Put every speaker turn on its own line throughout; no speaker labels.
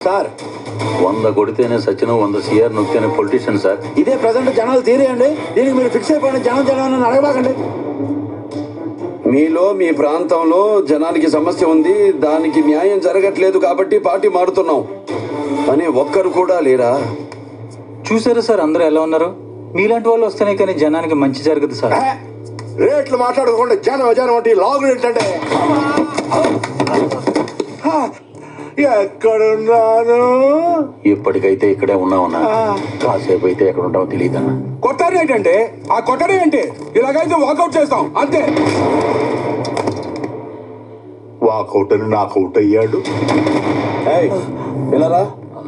Sir
100 కొడితేనే Sachin 100 CR నొక్కితేనే politician sir.
ఇదే ప్రజెంట్ జనాలు తీరేయండి. దీనికి మీరు ఫిక్స్ అయిపోయిన జనం అడగబాకండి.
మీలో మీ ప్రాంతంలో జనానికి సమస్య ఉంది, దానికి న్యాయం జరగట్లేదు కాబట్టి పార్టీ మారుతున్నాం అని ఒక్కరు కూడా లేరా?
చూసారా సార్ అందరూ ఎలా ఉన్నారు? మీలాంటి వాళ్ళు వస్తేనే కానీ జనానికి మంచి జరగదు సార్.
రేట్లు మాట్లాడుకోండి. జనం అంటే లాగు ఏంటంటే ఎక్కడున్నాను?
ఇప్పటికైతే ఇక్కడే ఉన్నామన్నా, కాసేపు అయితే ఎక్కడ ఉంటామో తెలియదన్నా.
కొట్టారు ఏంటంటే ఆ కొట్టడం ఏంటి? ఇలాగైతే వాకౌట్ చేస్తాం అంతే. వాకౌట్ అని నాకౌట్ అయ్యాడు.
ఎలా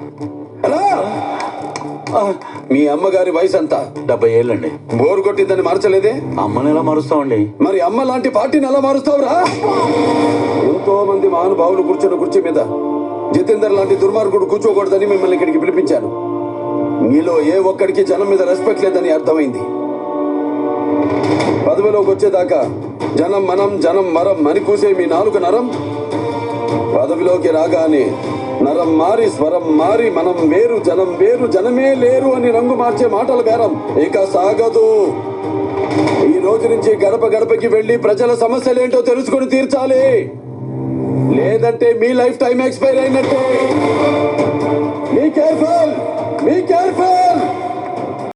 మీ అమ్మగారి వయసు అంతా
70 ఏళ్ళండి.
బోరు కొట్టిందని మార్చలేదే?
అమ్మని ఎలా మారుస్తామండి?
మరి అమ్మ లాంటి పార్టీని ఎలా మారుస్తావురా? ఎంతో మంది మహానుభావులు కూర్చున్న కుర్చీ మీద జితేందర్ లాంటి దుర్మార్గుడు కూర్చోకూడదని మిమ్మల్ని ఇక్కడికి పిలిపించాను. మీలో ఏ ఒక్కడికి జనం మీద రెస్పెక్ట్ లేదని అర్థమైంది. పదవిలోకి వచ్చేదాకా జనం మనం జనం మరం అని కూసే మీ నాలుగు నరం పదవిలోకి రాగానే నరం మారి స్వరం మారి మనం వేరు జనం వేరు జనమే లేరు అని రంగు మార్చే మాటల బేరం ఇక సాగదు. ఈ రోజు నుంచి గడప గడపకి వెళ్లి ప్రజల సమస్యలేంటో తెలుసుకుని తీర్చాలి. లేదంటే మీ లైఫ్ టైం ఎక్స్పైర్ అయినట్టే. Be careful.